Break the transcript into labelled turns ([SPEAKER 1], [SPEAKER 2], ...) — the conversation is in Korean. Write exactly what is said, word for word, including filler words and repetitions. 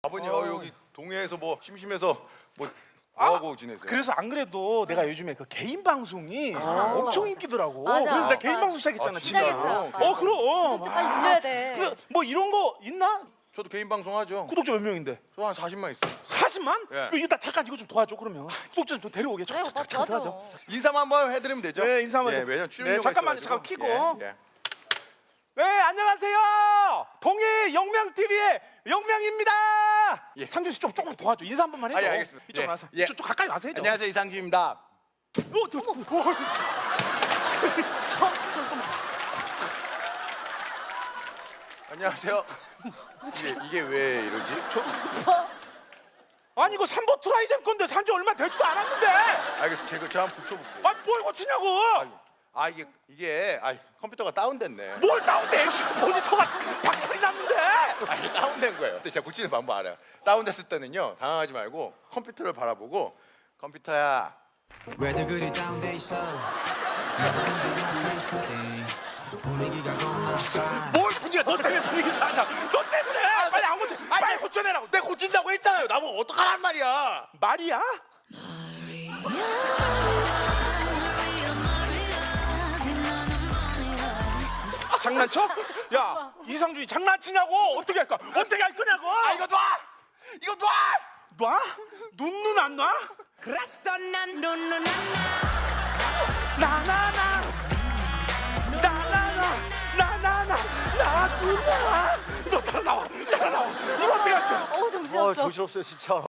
[SPEAKER 1] 아버님 어, 여기 동해에서 뭐 심심해서 뭐
[SPEAKER 2] 아,
[SPEAKER 1] 뭐하고 지내세요?
[SPEAKER 2] 그래서 안 그래도 내가 요즘에 그 개인 방송이 엄청 인기더라고.
[SPEAKER 3] 맞아.
[SPEAKER 2] 그래서 내가 개인
[SPEAKER 3] 맞아.
[SPEAKER 2] 방송 시작했잖아.
[SPEAKER 1] 아,
[SPEAKER 2] 진짜.
[SPEAKER 3] 시작했어요.
[SPEAKER 2] 어 그럼.
[SPEAKER 3] 구독자 빨리 늘려야 돼.
[SPEAKER 2] 그, 뭐 이런 거 있나?
[SPEAKER 1] 저도 개인 방송 하죠.
[SPEAKER 2] 구독자 몇 명인데?
[SPEAKER 1] 저 한 사십만 있어요.
[SPEAKER 2] 사십만?
[SPEAKER 1] 예.
[SPEAKER 2] 이거 나 잠깐 이거 좀 도와줘 그러면. 구독자 좀 데려오게.
[SPEAKER 3] 그래 오빠
[SPEAKER 2] 잠깐
[SPEAKER 3] 도와줘.
[SPEAKER 2] 도와줘.
[SPEAKER 1] 인사만 한번 해드리면 되죠?
[SPEAKER 2] 네, 인사 한번
[SPEAKER 1] 예,
[SPEAKER 2] 해줘.
[SPEAKER 1] 왜냐면 출연료가
[SPEAKER 2] 네, 잠깐만,
[SPEAKER 1] 있어가지고.
[SPEAKER 2] 잠깐 키고.
[SPEAKER 1] 예, 예.
[SPEAKER 2] 네, 안녕하세요. 동해 영명 티비의 영명입니다.
[SPEAKER 1] 예.
[SPEAKER 2] 상준 씨 좀 조금 도와줘. 인사 한 번만 해줘.
[SPEAKER 1] 아, 예, 알겠습니다.
[SPEAKER 2] 이쪽
[SPEAKER 1] 예.
[SPEAKER 2] 와서.
[SPEAKER 1] 예.
[SPEAKER 2] 좀, 좀 가까이 와서 해줘.
[SPEAKER 1] 안녕하세요, 이상준입니다.
[SPEAKER 2] 어, 저, 어,
[SPEAKER 1] 안녕하세요. 이게, 이게 왜 이러지? 저,
[SPEAKER 2] 아니 이거 삼보 트라이젠 건데 산지 얼마 되지도 않았는데.
[SPEAKER 1] 알겠어, 제가 제가 한번 붙여볼게요.
[SPEAKER 2] 아, 뭘 고치냐고.
[SPEAKER 1] 아이고, 아 이게 이게 아 컴퓨터가 다운됐네.
[SPEAKER 2] 뭘 다운돼? 액션 모니터가 박살이 났는데.
[SPEAKER 1] 아 이게 다운된 거예요. 근데 제가 고치는 방법 알아요. 다운됐을 때는요 당황하지 말고 컴퓨터를 바라보고 컴퓨터야.
[SPEAKER 4] 왜들 그리 다운돼 있어? 내가 문제야 say something. 분위기가 겁나 싸.
[SPEAKER 2] 뭘 분위기야? 너 때문에 분위기 상하자. 너 때문에. 빨리 안 고쳐. 빨리 고쳐내라고.
[SPEAKER 1] 내가 고친다고 했잖아요. 나보고 어떡하란 말이야.
[SPEAKER 2] 말이야? 장난쳐? 야, 이상준이 장난치냐고? 어떻게 할까? 어떻게 할 거냐고?
[SPEAKER 1] 아 이거 놔! 이거 놔!
[SPEAKER 2] 놔? 눈눈 안 놔?
[SPEAKER 5] 그랬어 난 눈눈
[SPEAKER 2] 나나나 나나나 나나나 나누나 너 따라 나와 따라 나와 이거 어떻게 할 거야?
[SPEAKER 3] 어우 정신없어.
[SPEAKER 6] 정신없어요 진짜.